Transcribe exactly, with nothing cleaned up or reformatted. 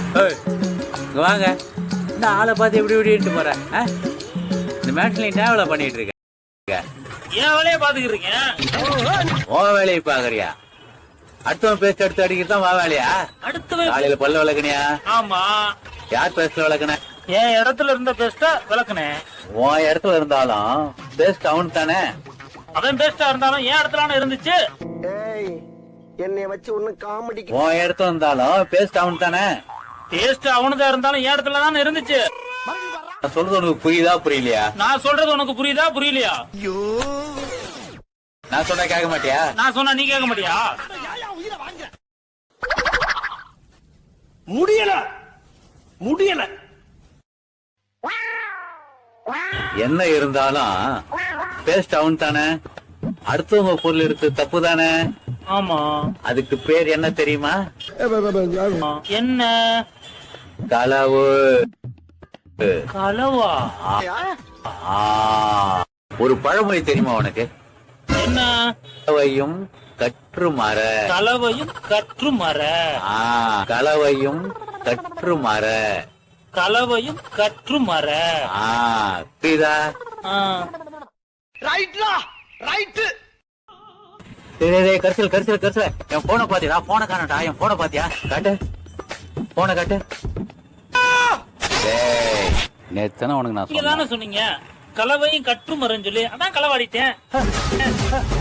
இங்க வாங்க. இந்த ஆளை பார்த்து எப்படி இப்படின்ட்டு போற? இந்த மேட்ச்ல என்ன வேலை பண்ணிட்டு இருக்க? ஏன் வேலையை பாத்துக்கிட்டு இருக்கேன். உன் வேலையை பாக்குறியா? அடுத்தவன் பேஸ்ட் எடுத்து அடிக்கிறது தான் வா வேலையா? அடுத்த காலையில பல்ல விளக்குனியா? ஆமா. யார் பேஸ்ட்ல விளக்குன? என் இடத்துல இருந்த பேஸ்ட விளக்குனேன். உன் இடத்துல இருந்தாலும் பேஸ்ட் அவன் தானே. அவன் பேஸ்டா இருந்தாலும் என் இடத்துல இருந்துச்சு. என்னை வச்சு ஒண்ணு காமெடி. உன் இடத்துல இருந்தாலும் பேஸ்ட் அவன் தானே. பேஸ்ட் அவனுதான் இருந்தாலும் என் இடத்துல தானே இருந்துச்சு. நான் சொல்றது உனக்கு புரியுதா புரியலையா? நான் சொல்றது உனக்கு புரியுதா புரியலையா? நான் சொன்னா கேட்க மாட்டியா? நான் சொன்னா நீ கேட்க மாட்டியா? முடியல முடியல. என்ன இருந்தாலும் பேஸ்ட் அவன் தானே. அடுத்தவங்க பொருள் எடுத்து தப்பு தானே. ஆமா. அதுக்கு பேர் என்ன தெரியுமா? என்ன? களவு. களவா? ஒரு பழமொழி தெரியுமா உனக்கு? என்ன? களவையும் கற்று மர. களவையும் கற்று மர. களவையும் கற்று மர. களவையும் கற்று மர. புரியுதா? ரைட்லா ரைட். கரிசல் கரிசல் கரிசல் என் போனை பாத்தியா? போனை காணட்டா? என் போனை பாத்தியா? காட்டு போனை காட்டு. நேத்தானே உனக்கு நான் சொன்னீங்க களவையும் கற்று மரன்னு சொல்லி அதான் களவாடிட்டேன்.